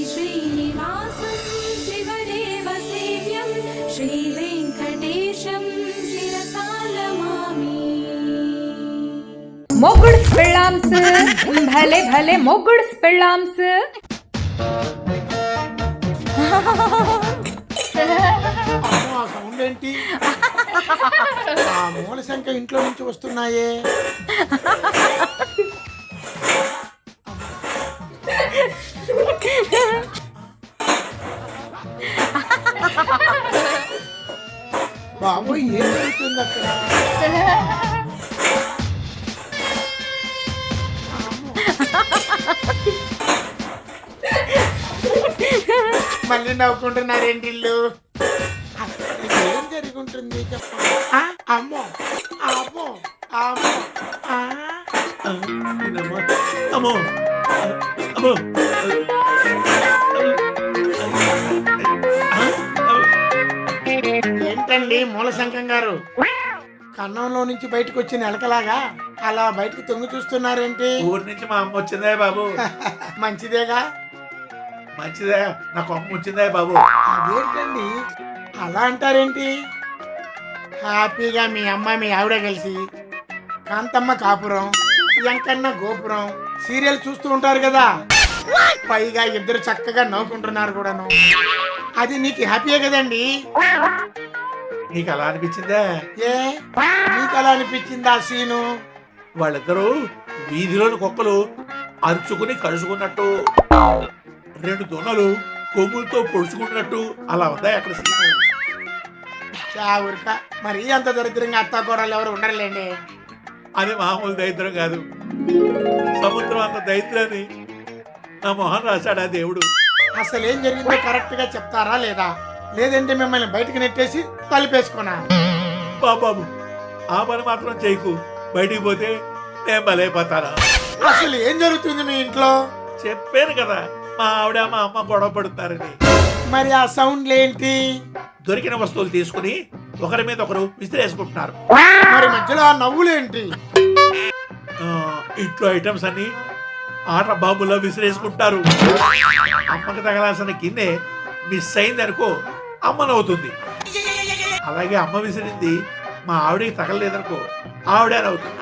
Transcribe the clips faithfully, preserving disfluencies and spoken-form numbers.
శ్రీనివాసం శివదేవ సేవ్యం శ్రీ వెంకటేశం శిరసాలమామి. మొగుడ్స్ పెళ్ళాంస్ భలే భలే మొగుడ్స్ పెళ్ళాంస్. సౌండ్ ఏంటి? ఆ మూల శంఖ ఇంట్లో నుంచి వస్తున్నాయే. బాబు ఏం జరుగుతుంది అక్కడ? మళ్ళీ నవ్వుకుంటున్నారేంటి ఇల్లు? ఏం జరుగుంటుంది చెప్పండి. అమ్మో అమ్మో అమ్మో అమ్మో అమ్మో ఏంటండి మూలశంఖం గారు, కన్నంలో నుంచి బయటకు వచ్చిన ఎలకలాగా అలా బయటకు తొంగి చూస్తున్నారేంటి? ఊరి నుంచి మా అమ్మ వచ్చిందే బాబు. మంచిదేగా. మంచిదే, నాకు అమ్మ వచ్చిందే బాబు. అదేంటండి అలా అంటారేంటి? హ్యాపీగా మీ అమ్మ మీ ఆవిడ కలిసి కాంతమ్మ కాపురం, ఎంకన్న గోపురం సీరియల్ చూస్తూ ఉంటారు కదా. పైగా ఇద్దరు చక్కగా నవ్వుకుంటున్నారు కూడాను. అది నీకు హ్యాపీయే కదండి. నీకు అలా అనిపించిందే? ఏ నీకు అలా అనిపించింది ఆ సీను? వాళ్ళిద్దరూ వీధిలోని కుక్కలు అరుచుకుని కలుసుకున్నట్టు, రెండు దొన్నలు కొమ్ములతో పొడుచుకుంటున్నట్టు అలా ఉందా అక్కడ సీను? చావురిక మరి అంత దరిద్రంగా అత్తా కూరలు ఎవరు ఉండరులేండి. అది మామూలు దరిద్రం కాదు, సముద్రం అంత దరిద్రాన్ని నా మొహన్ రాశాడా దేవుడు. అసలు ఏం జరిగిందో కరెక్ట్ గా చెప్తారా లేదా? లేదంటే మిమ్మల్ని బయటకు నెట్టేసి తలుపేసుకున్నా. బాబాబు ఆ పని మాత్రం చేయకు, బయటికి పోతే నేను బలైపోతాను. అసలు ఏం జరుగుతుంది మీ ఇంట్లో? చెప్పాను కదా మా ఆవిడ మా అమ్మ గొడవ పడుతున్నారని. మరి ఆ సౌండ్ ఏంటి? దొరికిన వస్తువులు తీసుకుని ఒకరి మీద ఒకరు విసిరేసుకుంటున్నారు. మరి మధ్యలో ఆ నవ్వులేంటి? ఇంట్లో ఐటమ్స్ అన్ని ఆట బాంబులో విసిరేసుకుంటారు. అమ్మకి తగలాల్సిన గిన్నె మిస్ అయింది అనుకో అమ్మ నవ్వుతుంది. అలాగే అమ్మ విసిరింది మా ఆవిడకి తగలలేదనుకో ఆవిడ నవ్వుతుంది.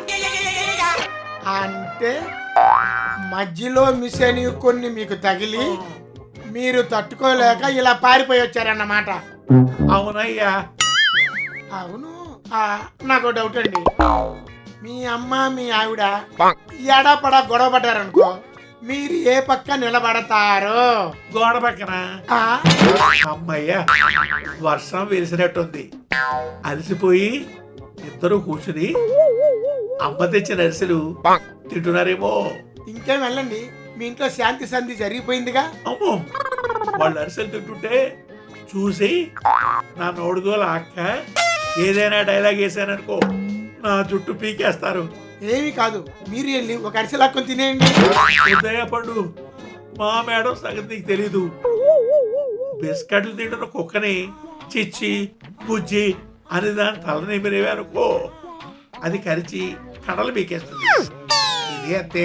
అంటే మధ్యలో మిస్ అని కొన్ని మీకు తగిలి మీరు తట్టుకోలేక ఇలా పారిపోయి వచ్చారన్నమాట. అవునయ్యా. అవును. నాకు డౌట్ అండి, మీ అమ్మ మీ ఆవిడ ఎడాపడా గొడవ పడ్డారనుకో మీరు ఏ పక్క నిలబడతారు? గోడ పక్కన. అమ్మయ్య వర్షం వెలిసినట్టుంది, అలసిపోయి ఇద్దరు కూర్చుని అమ్మ తెచ్చిన అరిసెలు తింటున్నారేమో. ఇంకేం వెళ్ళండి, మీ ఇంట్లో శాంతి సంధి జరిగిపోయిందిగా. అమ్మో వాళ్ళు అరిసెలు తింటుంటే చూసి నా నోడుగోల అక్క ఏదైనా డైలాగ్ వేసాననుకో నా జుట్టు పీకేస్తారు. ఏమి కాదు, మీరు వెళ్ళి ఒక అరిసె లాక్కొని తినేయండి. పండు మా మేడం సంగతి నీకు తెలీదు. బిస్కెట్లు తింటున్న కుక్కని చిచ్చి బుజ్జి అని దాని తలనిమిరేవే అనుకో అది కరిచి కడలు పీకేస్తుంది. ఇది అంతే.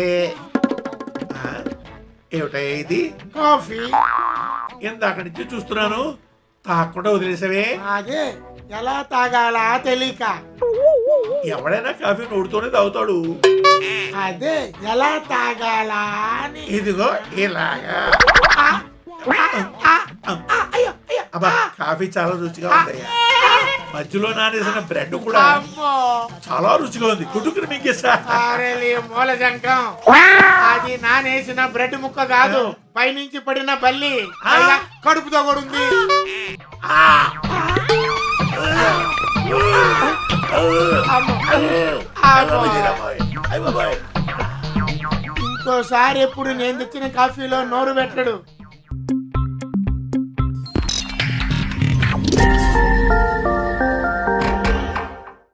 ఏమిటయ్యా ఇది? కాఫీ. ఇందాక నుంచి చూస్తున్నాను తాకుండా వదిలేసావే. అదే ఎలా తాగాలా తెలియక. ఎవడైనా కాఫీ నోడుతోనే తాగుతాడు. అదే ఎలా తాగాలా అని. ఇదిగో ఇలాగా. అబ్బా కాఫీ చాలా రుచిగా ఉందయ్యా. మధ్యలో నానేసిన బ్రెడ్ కూడా చాలా రుచిగా ఉంది. కుటుకుని మింగేసా. మూల శంఖం అది నానేసిన బ్రెడ్ ముక్క కాదు, పైనుంచి పడిన బల్లి కడుపుతో కూడా ఉంది. ఇంకోసారి ఎప్పుడు నేను తెచ్చిన కాఫీలో నోరు పెట్టడు.